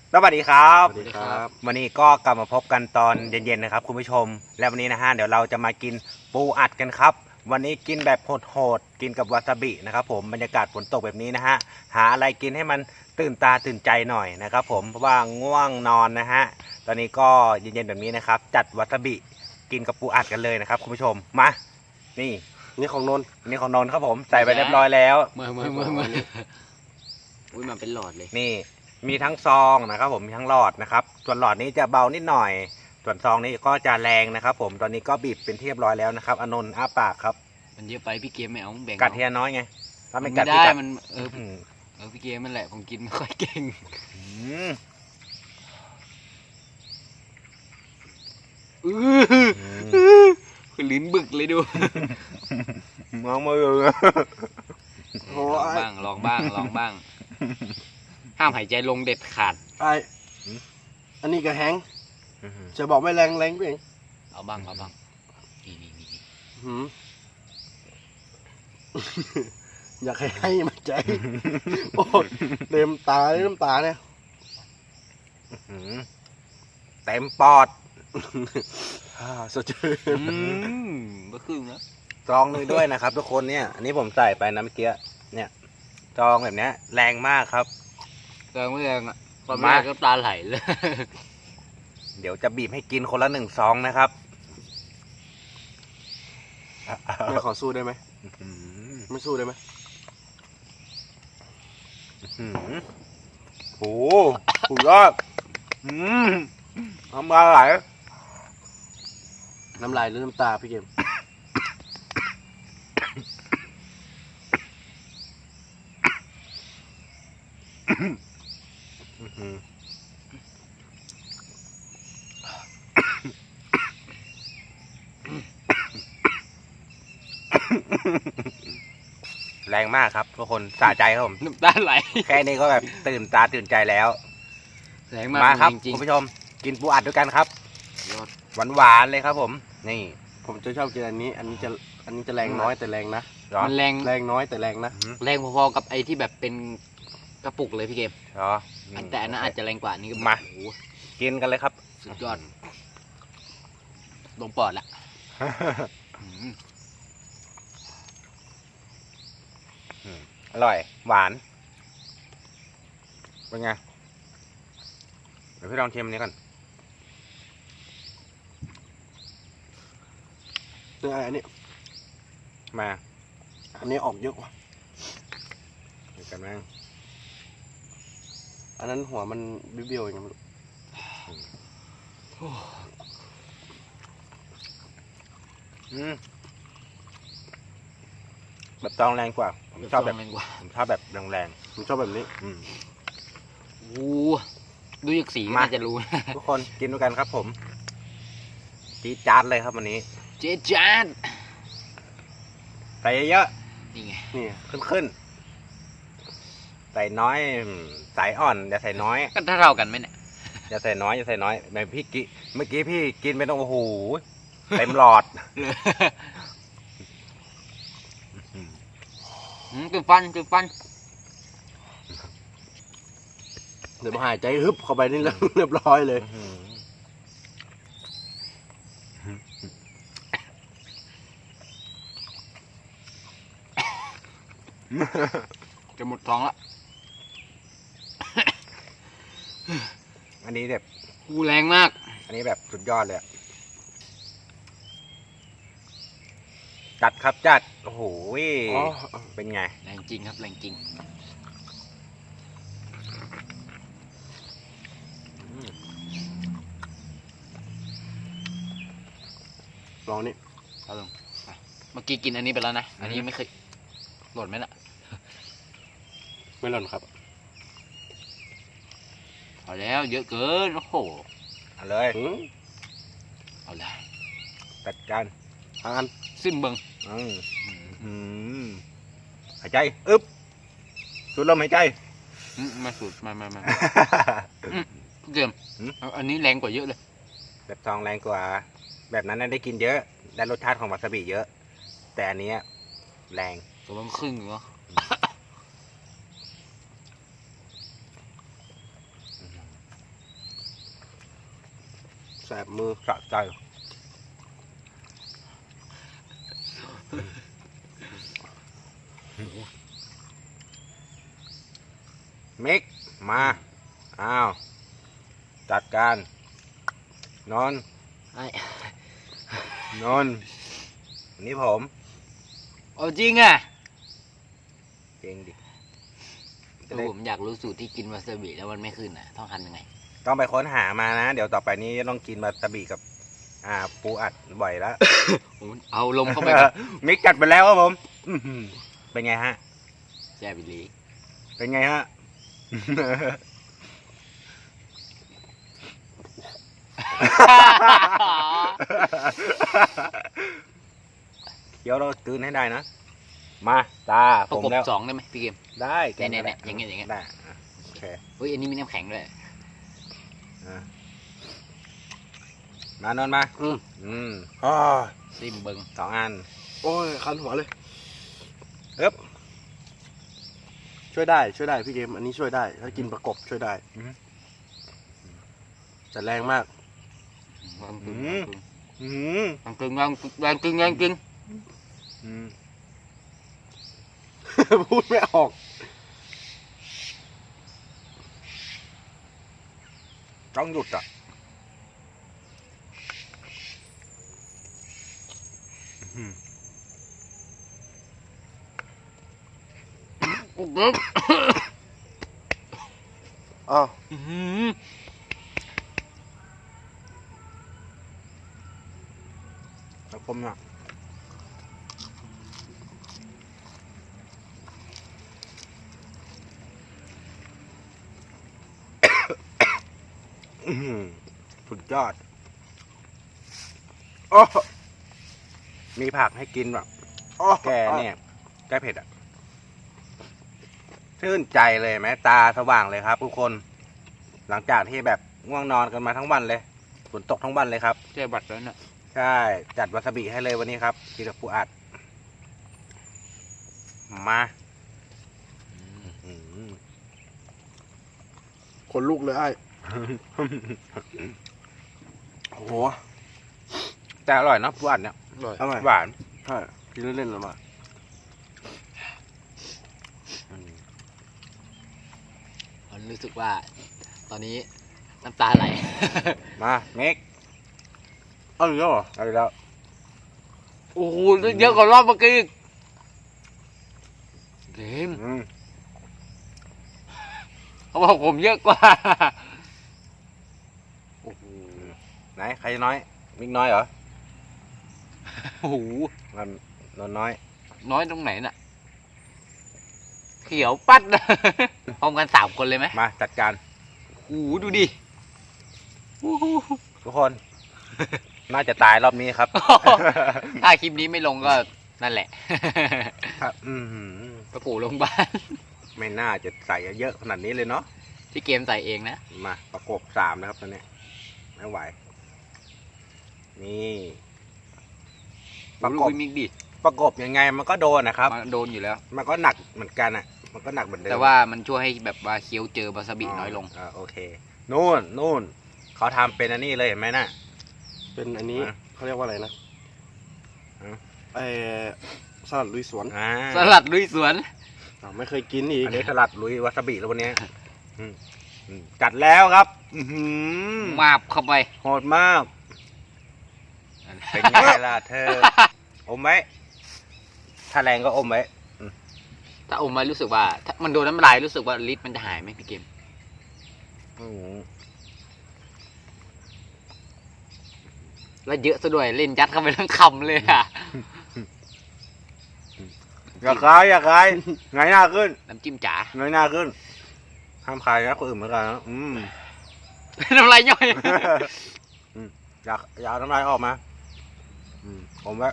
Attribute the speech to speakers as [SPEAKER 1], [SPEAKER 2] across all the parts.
[SPEAKER 1] สวัสดีครับ
[SPEAKER 2] สวัสดีครับ
[SPEAKER 1] วันนี้ก็กลับมาพบกันตอนเย็นๆนะครับคุณผู้ชม และวันนี้นะฮะเดี๋ยวเราจะมากินปูอัดกันครับ วันนี้กินแบบโหดๆกินกับวาซาบินะครับผมบรรยากาศฝนตกแบบนี้นะฮะหาอะไรกินให้มันตื่นตาตื่นใจหน่อยนะครับผมเพราะว่าง่วงนอนนะฮะตอนนี้ก็เย็นๆแบบนี้นะครับจัดวาซาบิกินกับปูอัดกันเลยนะครับคุณผู้ชมมานี่
[SPEAKER 2] นี่ของนนท์
[SPEAKER 1] นี่ของนนท์ครับผมใส่ไปเรียบร้อยแล้ว
[SPEAKER 3] เมื่ออุ้ยมันเป็นหลอดเลย
[SPEAKER 1] นี่มีทั้งซองนะครับผมมีทั้งหลอดนะครับส่วนหลอดนี้จะเบานิดหน่อย ส่วนซองนี้ก็จะแรงนะครับผมตอนนี้ก็บีบเป็นที่เรียบร้อยแล้วนะครับอานนท์อ้าปากครับ
[SPEAKER 3] มันเยอะไปพี่เกมไม่เอาแบ่ง
[SPEAKER 1] กัดเทียน้อยไงถ้า
[SPEAKER 3] ไม่
[SPEAKER 1] ไม่กัด
[SPEAKER 3] ได้
[SPEAKER 1] พี่กัด
[SPEAKER 3] มัน
[SPEAKER 1] อืม
[SPEAKER 3] พี่เกมมันแหละผมกินไม่ค่อยเก่ง
[SPEAKER 1] อืม
[SPEAKER 3] คือลิ้นบึกเลยดู
[SPEAKER 1] มองมือ
[SPEAKER 2] โอ้
[SPEAKER 3] ลองบ้างห้ามหายใจลงเด็ดขาด
[SPEAKER 2] ไออันนี้ก็แห้งจะบอกไม่แรงไปเอง
[SPEAKER 3] เอาบ้างนี่
[SPEAKER 2] หืม อยากให้มันใจโอ้เต็มตาเลยน้ำตาเนี่ย
[SPEAKER 1] อืมเต็มปอด
[SPEAKER 2] สดชื่น
[SPEAKER 3] ก็ครึ่งแล้ว
[SPEAKER 1] ซองเลยด้วยนะครับ ทุกคนเนี่ยอันนี้ผมใส่ไปนะเมื่อกี้เนี่ยซองแบบเนี้ยแรงมากครับ
[SPEAKER 3] แรงไม่แรงอ่ะตอนแรกก็ตาไหลเลย
[SPEAKER 1] เดี๋ยวจะบีบให้กินคนละ1 ซองนะครับ
[SPEAKER 2] ไม่ขอสู้ได้ไหม
[SPEAKER 1] อืม
[SPEAKER 2] ไม่สู้ได้ไหม
[SPEAKER 1] โอ้โหสุดยอดน้ำลายไหล
[SPEAKER 2] น้ำลายหรือน้ำตาพี่เกม
[SPEAKER 1] แรงมากครับทุกคนสะใจครับผม
[SPEAKER 3] น้ำตาไหล
[SPEAKER 1] แค่นี้ก็แบบตื่นตาตื่นใจแล้ว
[SPEAKER 3] แรงมาก
[SPEAKER 1] มาครับ
[SPEAKER 3] จริง
[SPEAKER 1] คุณผู้ชมกินปูอัดด้วยกันครับ
[SPEAKER 3] ๆยอด
[SPEAKER 1] หวานๆเลยครับผม นี่
[SPEAKER 2] ผมจะชอบกินอันนี้อันนี้จะแรงน้อยแต่แรงนะ
[SPEAKER 1] เหรอ
[SPEAKER 3] มันแรง
[SPEAKER 2] แรงน้อยแต่แรงนะ
[SPEAKER 3] แรงพอๆกับไอ้ที่แบบเป็นกระปุกเลยพี่เกม
[SPEAKER 1] เหรอ
[SPEAKER 3] แต่อันนั้นอาจจะแรงกว่านี่ก็
[SPEAKER 1] มา
[SPEAKER 3] โอ้โห
[SPEAKER 1] กินกันเลยครับ
[SPEAKER 3] สุดยอดลงปอดละอืม
[SPEAKER 1] อร่อย หวาน เป็นไง เดี๋ยวพี่ลองชิมอันนี้ก่อน
[SPEAKER 2] เนี่ยอันนี้
[SPEAKER 1] มา
[SPEAKER 2] อันนี้ออกเยอะกว่า
[SPEAKER 1] ดูกันบ้าง
[SPEAKER 2] อันนั้นหัวมันเบี้ยวๆอย่างเงี้ย
[SPEAKER 1] แบบตองแรงกว่า ผมชอบแบบ
[SPEAKER 3] แรงกว่า
[SPEAKER 1] ผมชอบแบบแรง
[SPEAKER 2] ผมชอบแบบนี้
[SPEAKER 1] ๆ
[SPEAKER 3] โอ้โหดูจากสีก็
[SPEAKER 1] มา
[SPEAKER 3] น่าจะรู้นะ
[SPEAKER 1] ทุกคนกินด้วยกันครับผมจี๊ดจ๊าดเลยครับวันนี้
[SPEAKER 3] เจ๊จาน
[SPEAKER 1] ใส่เยอะ
[SPEAKER 3] นี่ไง
[SPEAKER 2] นี่
[SPEAKER 1] ๆขึ้นใส่น้อยใส่อ่อนอย่าใส่น้อย
[SPEAKER 3] ก็เท่ากันไหมเนี่ย
[SPEAKER 1] อย่าใส่น้อยอย่าใส่น้อยแบบพี่กิเมื่อกี้พี่กินไปต้องโอ้โหเต็มหลอด
[SPEAKER 3] คือฟัน
[SPEAKER 2] เดี๋ยวมาหายใจฮึบเข้าไปนี่แล้ว เรียบร้อยเลย
[SPEAKER 3] จะหมดท้องละ
[SPEAKER 1] อันนี้แบบ
[SPEAKER 3] กูแรงมาก
[SPEAKER 1] อันนี้แบบสุดยอดเลยอะจัดครับจัดโอ้โห
[SPEAKER 2] อ๋อ
[SPEAKER 1] เป็นไง
[SPEAKER 3] แรงจริงครับแรงจริง
[SPEAKER 2] ลองนี่
[SPEAKER 3] เอาลงไปเมื่อกี้กินอันนี้ไปแล้วนะ อันนี้ยังไม่เคยหล่นไหมล่ะ
[SPEAKER 2] ไม่หล่นครับ
[SPEAKER 3] เอาแล้วเยอะเกิน โอ้โห
[SPEAKER 1] เอาเลย
[SPEAKER 3] เอาละ
[SPEAKER 1] จัดการ
[SPEAKER 2] ทางอัน
[SPEAKER 3] ซิมเบิง
[SPEAKER 1] อืมหายใจอึ๊บสูดลมหายใจ
[SPEAKER 3] มาสูตรมาเกมเอาอันนี้แรงกว่าเยอะเลย
[SPEAKER 1] แบบซองแรงกว่า แบบนั้นน่ะได้กินเยอะ ได้รสชาติของวาซาบิเยอะ แต่อันเนี้ยแรง
[SPEAKER 3] ตัวมันครึ่งเหรอ
[SPEAKER 2] แสบมือ
[SPEAKER 1] สะใจมิกมาอ้าวจัดการนอน
[SPEAKER 3] ไอ้
[SPEAKER 1] นอนนี่ผม
[SPEAKER 3] เอาจริงอ่ะ
[SPEAKER 1] เก่งดิ
[SPEAKER 3] ผมอยากรู้สูตรที่กินวาซาบิแล้วมันไม่ขึ้นอ่ะต้องทำยังไง
[SPEAKER 1] ต้องไปค้นหามานะ เดี๋ยวต่อไปนี้ต้องกินวาซาบิกับปูอัดบ่อยแล้ว
[SPEAKER 3] เอาลมเข้าไปก่อน
[SPEAKER 1] มิกจัดไปแล้วครับผมอื้อหือเป็นไงฮะ
[SPEAKER 3] แย่บิลี
[SPEAKER 1] เป็นไงฮะ เดี๋ยวเราตื่นให้ได้นะ มาตา
[SPEAKER 3] ประ
[SPEAKER 1] ผม
[SPEAKER 3] กบ
[SPEAKER 1] แล้ว
[SPEAKER 3] 2ได้ไหมพี่เกม
[SPEAKER 1] ได้
[SPEAKER 3] เนี่ยอย่างเงี้ยอย่างเงี้ย
[SPEAKER 1] ได้อ่ะโอเค
[SPEAKER 3] เฮ้ยอันนี้มีน้ำแข็งด้วย
[SPEAKER 1] อ่ะมานอนมา
[SPEAKER 2] อ่า
[SPEAKER 3] ซิมเบิง
[SPEAKER 1] 2 อัน
[SPEAKER 2] โอ้ยคันหัวเลย
[SPEAKER 1] เอ๊บ
[SPEAKER 2] ช่วยได้พี่เกมอันนี้ช่วยได้ ถ้ากินประกบช่วยได้
[SPEAKER 1] อืม
[SPEAKER 2] แต่แรงมาก
[SPEAKER 3] วางกึ่ง
[SPEAKER 1] อืม
[SPEAKER 3] วางกึ่งวางกึ่งวางกึ่ง
[SPEAKER 1] อืม
[SPEAKER 2] พูดไม่ออก
[SPEAKER 1] ต้องหยุดอ่ะอื้อ
[SPEAKER 2] อ้าว
[SPEAKER 1] แล้วผมอ่ะอื้อหือสุดยอด
[SPEAKER 2] โอ้
[SPEAKER 1] มีผักให้กินแบบ
[SPEAKER 2] โอ้
[SPEAKER 1] แกเนี่ยแกเผ็ดอ่ะชื่นใจเลยไหมตาสว่างเลยครับทุกคน หลังจากที่แบบง่วงนอนกันมาทั้งวันเลยฝนตกทั้งวันเลยครับ
[SPEAKER 3] แจ้บัตรแล้วน่ะ
[SPEAKER 1] ใช่จัดวาซาบิให้เลยวันนี้ครับกินกับปูอัด มาอื้อหือ
[SPEAKER 2] คนลูกเลยไอ้โอ้โห
[SPEAKER 1] แต่อร่อยเนาะปูอัดเนี่ย
[SPEAKER 3] อร่อย
[SPEAKER 2] อร่อย
[SPEAKER 1] หวาน
[SPEAKER 2] ใช่กินเล่นๆแล้วมา
[SPEAKER 3] ผมรู้สึกว่า ตอนนี้น้ำตาไหล
[SPEAKER 1] มาเมก
[SPEAKER 2] เอาอีกแล้วเหรอ
[SPEAKER 1] เอาอีกแล้ว
[SPEAKER 3] โอ้โหเยอะกว่ารอบเมื่อกี้อีกเกม
[SPEAKER 1] อืม
[SPEAKER 3] เขาบอกผมเยอะกว่า โอ้โห
[SPEAKER 1] ไหนใครน้อยมิกน้อยเหรอ
[SPEAKER 3] โอ้โห
[SPEAKER 1] มันนนน้อย
[SPEAKER 3] น้อยตรงไหนน่ะ เขียวปัดนะ พร้อมกัน3 คนเลยไหม
[SPEAKER 1] มาจัดการ
[SPEAKER 3] โอ้โหดูดิโอ้โห
[SPEAKER 1] ทุกคน น่าจะตายรอบนี้ครับ
[SPEAKER 3] ถ้าคลิปนี้ไม่ลงก็นั่นแหละ
[SPEAKER 1] ครับอื้อหือ
[SPEAKER 3] ไปปู่โรงพยาบาล
[SPEAKER 1] ไม่น่าจะใส่เยอะขนาดนี้เลยเนาะ
[SPEAKER 3] ที่เกมใส่เองนะ
[SPEAKER 1] มาประกบ3นะครับตอนนี้ไม่ไหว นี่ ประก
[SPEAKER 3] ลู
[SPEAKER 1] บ
[SPEAKER 3] กมิกดิ
[SPEAKER 1] ประกบยังไงมันก็โดนนะครับ
[SPEAKER 3] มันโดนอยู่แล้ว
[SPEAKER 1] มันก็หนักเหมือนกันอ่ะ มันก็หนักเหมือนเดิม
[SPEAKER 3] แต่ว่ามันช่วยให้แบบว่าเคี้ยวเจอบาซาบิน้อยลง
[SPEAKER 1] โอเค นู่นเขาทำเป็นอันนี้เลยเห็นไหมน่ะ
[SPEAKER 2] เป็นอันนี้
[SPEAKER 1] อ่ะ
[SPEAKER 2] เขาเรียกว่าอะไรนะ
[SPEAKER 1] อ่ะ
[SPEAKER 2] ไอ้สลัดลุยสวน
[SPEAKER 3] สลัดลุยสวน
[SPEAKER 2] อ้าวไม่เคยกินอีก
[SPEAKER 1] อันนี้สลัดลุยวาซาบิแล้ววันนี้จัดแล้วครับ อื้อหือ
[SPEAKER 3] มาบเข้าไป
[SPEAKER 1] โหดมาก เป็นไงล่ะเธอ อมไว้ ถ้าแรงก็อมไว้
[SPEAKER 3] ถ้าอมมารู้สึกว่าถ้ามันโดนน้ำลายรู้สึกว่าลิ้นมันจะหายไหมพี่เกม
[SPEAKER 1] อื้อหือ
[SPEAKER 3] แล้วเยอะซะด้วยเล่นยัดเข้าไปทั้งคำเลยอ่ะ
[SPEAKER 1] อย่าคายไงหน้าขึ้น
[SPEAKER 3] น้ำจิ้มจ๋า
[SPEAKER 1] เงยหน้าขึ้น ห้ามคายนะคนอื่นเหมือนกันนะ
[SPEAKER 3] น้ำลายย่อย
[SPEAKER 1] อยากเอาน้ำลายออกมาผมไว้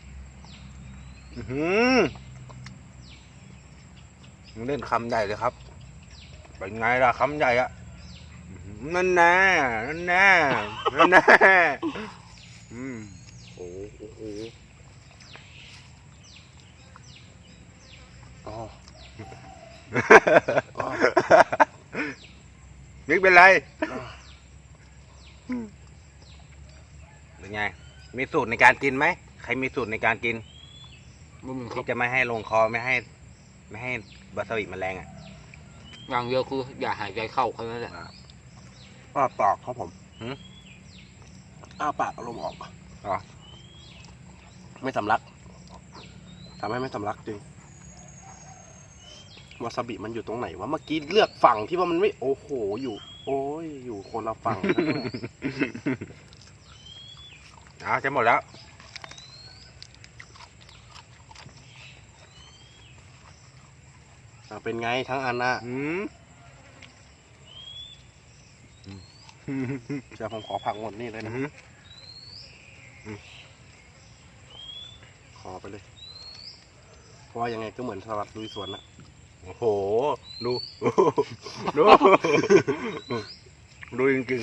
[SPEAKER 1] มันเล่นคำใหญ่เลยครับ เป็นไงล่ะคำใหญ่อะนั่นแน่นั่นแน่นั่นแน่
[SPEAKER 2] โอ้โหอ๋อ
[SPEAKER 1] นึกเป็นไรมีสูตรในการกินไหมใครมีสูตรในการกิน
[SPEAKER 3] บ่มีครั
[SPEAKER 1] ที่
[SPEAKER 3] บ
[SPEAKER 1] จะไม่ให้ลงคอไม่ให้วาซาบิมันแรงอ่ะ
[SPEAKER 3] อย่างเดียวคืออย่าหายใจเข้าแค่นั้นแหละ
[SPEAKER 2] อ้าปากครับผม
[SPEAKER 1] หืม
[SPEAKER 2] อ้าปากเอาลมออก
[SPEAKER 1] อ๋อ
[SPEAKER 2] ไม่สำลักทำให้ไม่สำลักจริงวาซาบิมันอยู่ตรงไหนวะเมื่อกี้เลือกฝั่งที่ว่ามันไม่โอ้โหอยู่ โอ้ยอยู่คนละฝั่ง
[SPEAKER 1] เอาจะหมดแล้ว
[SPEAKER 2] เป็นไงทั้งอันน่ะ
[SPEAKER 1] อืม
[SPEAKER 2] เดี๋ยวผมขอผักหมดนี่เลยนะ ขอไปเลย เพราะว่ายังไงก็เหมือนสลัดลุยสวนนะ
[SPEAKER 1] โอ้โห ดู ดู ดูจริง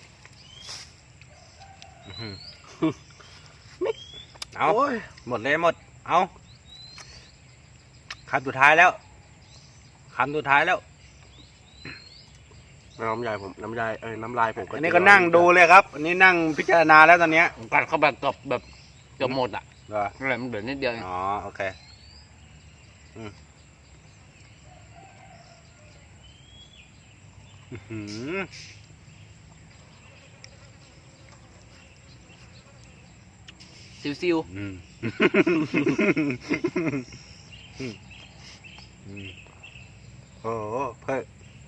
[SPEAKER 1] ๆอื้อหือเอา
[SPEAKER 2] โอ้ย
[SPEAKER 1] หมดเลยหมด เอาคำสุดท้ายแล้วคำสุดท้ายแล้ว
[SPEAKER 2] น้ำลายผมน้ำลายน้ำลายผม
[SPEAKER 1] อันนี้ก็นั่งดูเลยครับ อันนี้นั่งพิจารณาแล้วตอนเนี้ย
[SPEAKER 3] ผมกัดเข้าแบบเกือบหมดอ่ะ
[SPEAKER 1] เหรอ
[SPEAKER 3] อะไรมันเหลือนิดเดียวเอง
[SPEAKER 1] อ๋อ โอเคอื้อหือ
[SPEAKER 3] ซิว
[SPEAKER 1] อืมโอ้โหเพิ่ม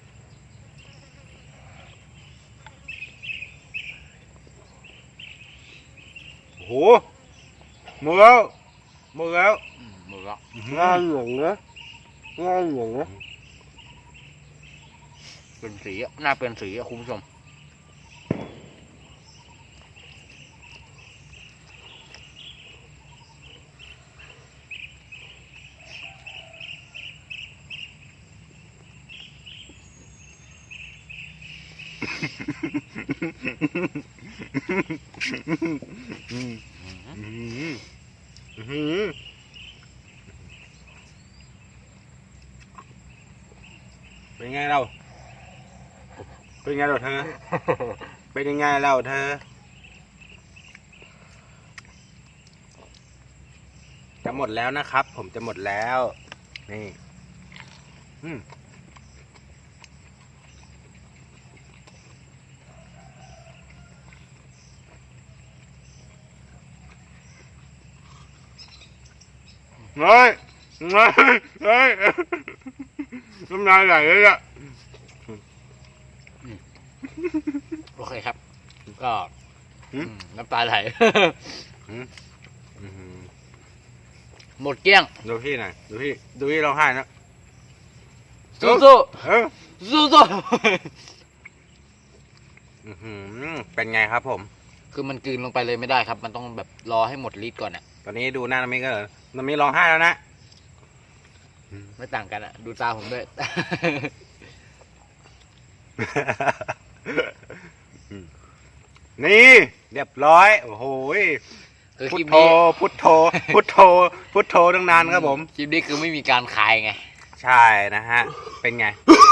[SPEAKER 1] โอ้โหหมดแล้วหมดแล้ว
[SPEAKER 3] หมดแล้ว
[SPEAKER 2] ง่าเหลืองนะง่าเหลืองนะ
[SPEAKER 3] เป็นสีอะหน้าเป็นสีอะคุณผู้ชม
[SPEAKER 1] เป็นไงเราเป็นไงเราเธอ เป็นยังไงเราเธอ จะหมดแล้วนะครับ ผมจะหมดแล้ว นี่เฮ้ยเฮ้ยเฮ้ยน้ำลายไหลเลยอ่ะ
[SPEAKER 3] โอเคครับ ก็น้ำตาไหล หมดเกลี้ยง
[SPEAKER 1] ดูพี่หน่อยดูพี่ร้องไห้นะ
[SPEAKER 3] สู้
[SPEAKER 1] เออ
[SPEAKER 3] ๆสู้
[SPEAKER 1] เป็นไงครับผม
[SPEAKER 3] ๆคือมันกลืนลงไปเลยไม่ได้ครับ มันต้องแบบรอให้หมดฤทธิ์ก่อนอ่ะ
[SPEAKER 1] ตอนนี้ดูหน้าน้ำมิก็น้ำมิร้องไห้แล้วนะ
[SPEAKER 3] ไม่ต่างกันอ่ะ ดูตาผมด้วย
[SPEAKER 1] นี่เรียบร้อยโอ้โห
[SPEAKER 3] คือ
[SPEAKER 1] พุ
[SPEAKER 3] ค
[SPEAKER 1] ท
[SPEAKER 3] ลิป
[SPEAKER 1] โธ
[SPEAKER 3] นี้
[SPEAKER 1] พุทโธพุทโธพุทโธตั้งนานครับผม
[SPEAKER 3] คลิปนี้คือไม่มีการขายไง
[SPEAKER 1] ใช่นะฮะ เป็นไง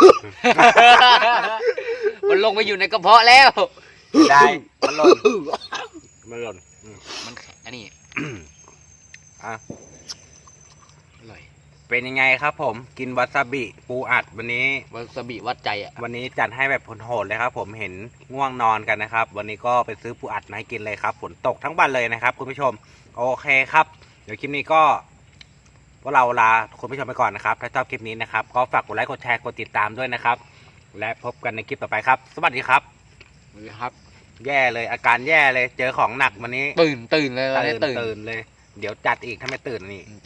[SPEAKER 3] มันลงไปอยู่ในกระเพาะแล้ว
[SPEAKER 1] ได้มันหล่นมันหล่น
[SPEAKER 3] มันอันนี้
[SPEAKER 1] อ่ะ
[SPEAKER 3] อร่อย
[SPEAKER 1] เป็นยังไงครับผมกินวาซาบิปูอัดวันนี้
[SPEAKER 3] วาซาบิวัดใจอ่ะ
[SPEAKER 1] วันนี้จัดให้แบบโหดๆเลยครับ ผมเห็นง่วงนอนกันนะครับ วันนี้ก็ไปซื้อปูอัดมาให้กินเลยครับฝนตกทั้งวันเลยนะครับคุณผู้ชมโอเคครับ เดี๋ยวคลิปนี้ก็พวกเราลาคุณผู้ชมไปก่อนนะครับถ้าชอบคลิปนี้นะครับก็ฝากกดไลค์กดแชร์กดติดตามด้วยนะครับ และพบกันในคลิปต่อไปครับ สวัสดีครับ
[SPEAKER 3] นี่ครับ
[SPEAKER 1] แย่เลยอาการแย่เลยเจอของหนักวันนี้
[SPEAKER 3] ตื่นเลยตอนนี้ตื่น
[SPEAKER 1] เลย เดี๋ยวจัดอีกถ้าไม่ตื่นนี่